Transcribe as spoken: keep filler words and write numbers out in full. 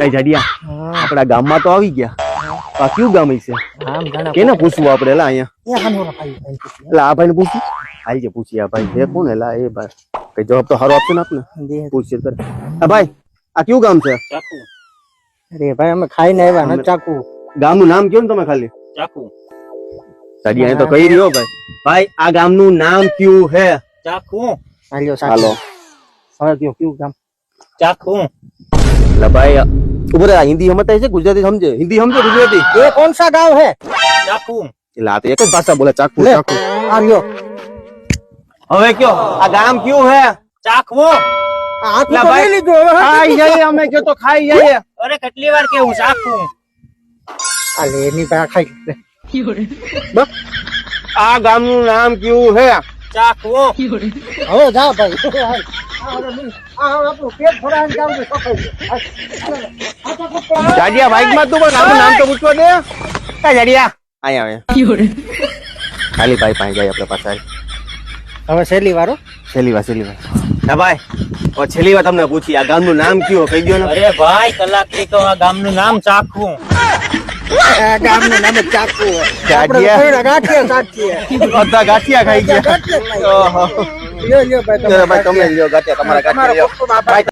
કઈ જાડિયા આપડા ગામમાં તો આવી ગયા આ કયું ગામ છે કેને પૂછવું આપણે એલા અહીંયા એટલે આ ભાઈને પૂછ્યું હાલ જે પૂછી આ ભાઈ છે કોણ એલા એ ભાઈ કઈ જવાબ તો સારો આપશે ને આપને પૂછીએ કર આ ભાઈ આ કયું ગામ છે ચાકુ અરે ભાઈ અમે ખાઈને આવ્યા ને ચાકુ ગામનું નામ કયો ને તમે ખાલી ચાકુ જાડિયા તો કહી રહ્યો ભાઈ ભાઈ આ ગામનું નામ કયું હે ચાકુ હાલ્યો હાલો હવે કયો કયું ગામ ચાકુ એટલે ભાઈ ઉભો રે હિન્દી સમજતા છે ગુજરાતી સમજે હિન્દી સમજે ગુજરાતી ये कौन सा गांव है ચાકુ એટલે આ તો એક જ ભાષા બોલે ચાકુ ले ચાકુ आ लो હવે કયો આ ગામ કયું હે ચાકુ हाथ ला तो भाई। ले लीजिए ખાઈ જઈએ અમે કયો તો ખાઈ જઈએ અરે કેટલી વાર કેવું ચાકુ अरे नहीं भाई खाई ले। બસ આ ગામનું નામ કયું હે ચાકુ હવે જા ભાઈ આ આપણું પેટ ભરાઈને જાવ તો સફાઈ જાડિયા બાઈક માં તું પણ આપણું નામ તો પૂછવા દે આ જાડિયા અહીંયા આવે ખાલી ભાઈ પાસે જાય આપણે પાછા હવે છેલ્લી વારો છેલ્લી વાર છેલ્લી વાર હા ભાઈ ઓ છેલ્લી વાર તમને પૂછી આ ગામનું નામ કયું કહી દો ને અરે ભાઈ કલાક થી તો આ ગામનું નામ ચાકુ આ ગામનું નામ જ ચાકુ ગાંઠિયા. આપણે ગાંઠિયા સાચીએ બધા ગાંઠિયા ખાઈ ગયા ગાંઠિયા ખાઈ. ઓહો લ્યો લ્યો ભાઈ ચલો ભાઈ તમે લ્યો ગાંઠિયા તમારા ગાંઠિયા લ્યો ભાઈ